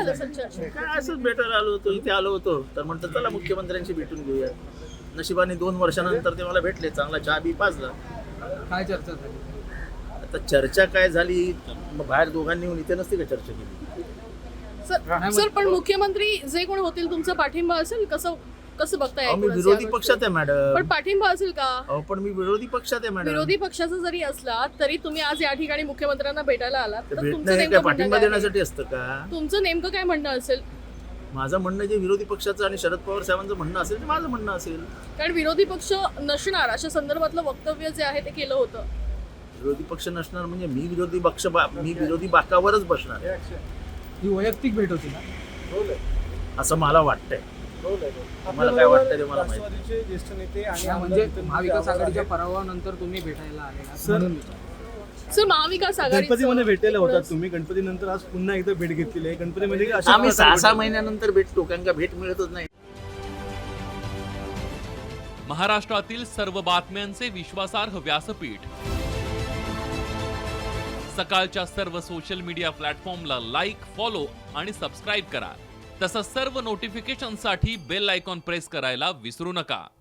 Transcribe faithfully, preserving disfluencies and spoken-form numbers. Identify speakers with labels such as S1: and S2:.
S1: झालं असेल चर्चा?
S2: काय असंच भेटायला आलो होतो, इथे आलो होतो तर म्हणतं चला मुख्यमंत्र्यांशी भेटून घेऊया. नशिबाने दोन वर्षानंतर ते मला भेटले, चांगला चहा बी पाजला.
S3: काय चर्चा झाली?
S2: आता चर्चा काय झाली, मग बाहेर दोघांनी येऊन इथे नसते का चर्चा केली?
S1: सर सर पण मुख्यमंत्री जे कोण होतील तुमचा पाठिंबा असेल, कसं कसं बघताय
S2: अहो, मी
S1: एकूणच या
S2: विरोधी
S1: गोष्टी?
S2: पक्षात आहे मॅडम.
S1: पण पाठिंबा असेल का?
S2: अहो पण मी विरोधी पक्षात आहे मॅडम.
S1: विरोधी पक्षाचा जरी असला तरी तुम्ही आज या ठिकाणी मुख्यमंत्र्यांना भेटायला आलात,
S2: तर
S1: तर
S2: भेटणं
S1: तुमचं
S2: हे काय
S1: नेमकं म्हणणं
S2: पाठिंबा
S1: काय आहे?
S2: देण्यासाठी असतं का?
S1: तुमचं नेमकं काय म्हणणं असेल?
S2: माझं म्हणणं जे विरोधी पक्षाचं आणि शरद पवार साहेबांचं म्हणणं असेल ते माझं म्हणणं असेल.
S1: कारण विरोधी पक्ष नसणार अशा संदर्भातलं वक्तव्य जे आहे ते केलं होतं.
S2: विरोधी पक्ष नसणार म्हणजे मी विरोधी पक्ष बा- मी विरोधी बाकावरच बसणार
S3: ही वैयक्तिक भेट होती ना?
S2: असं मला वाटतंय. मला काय वाटतं ते मला माहिती.
S4: राष्ट्रवादीचे ज्येष्ठ नेते आणि
S3: हा,
S4: आमदार
S3: म्हणजे
S4: नितीन
S3: महाविकास
S4: मुनगंटीवार
S3: आघाडीच्या
S4: आहेत.
S3: पराभवानंतर तुम्ही भेटायला आलेला
S4: सर,
S3: म्हणून विचारलं.
S1: सर महाविकास आघाडी
S4: गणपतीमध्ये भेटलेले होतात तुम्ही. गणपती नंतर आज पुन्हा एकदा भेट घेतलेली आहे. गणपती म्हणजे की अशा
S2: आम्ही
S4: प्रकारे
S2: सहा सहा
S4: भेट-
S2: महिन्यानंतर भेटतो, कारण का भेट मिळतच नाही.
S5: महाराष्ट्रातील सर्व बातम्यांचे विश्वासार्ह व्यासपीठ सकाळच्या सर्व सोशल मीडिया प्लॅटफॉर्मला लाईक, फॉलो आणि सबस्क्राईब करा. तसंच सर्व नोटिफिकेशनसाठी बेल आयकॉन प्रेस करायला विसरू नका.